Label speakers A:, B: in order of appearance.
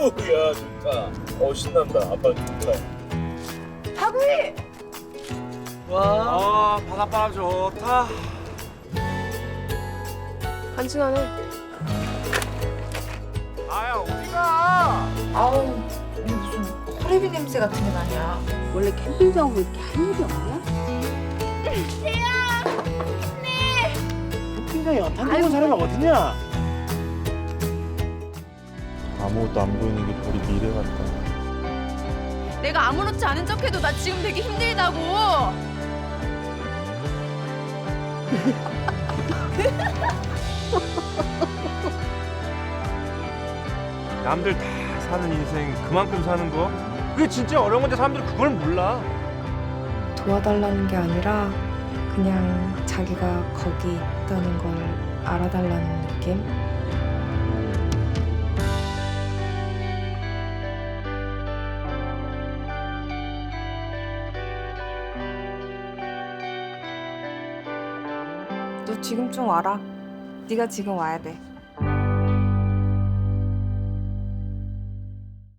A: 야 좋다. 신난다. 아빠 좋다.
B: 하구이!
C: 와, 바닷바람 좋다.
B: 간지나네.
C: 아야, 어디가?
D: 아우, 이게 무슨 호레비 냄새 같은 게 나냐.
E: 원래 캠핑장으로 이렇게 할 일이 없냐?
C: 캠핑장에 연탄 들고 사람이 어디냐?
A: 아무것도 안 보이는 게 우리 미래 같다.
B: 내가 아무렇지 않은 척해도 나 지금 되게 힘들다고.
C: 남들 다 사는 인생 그만큼 사는 거? 그게 진짜 어려운 건데 사람들이 그걸 몰라.
F: 도와달라는 게 아니라 그냥 자기가 거기 있다는 걸 알아달라는 느낌? 너 지금 좀 와라. 네가 지금 와야 돼.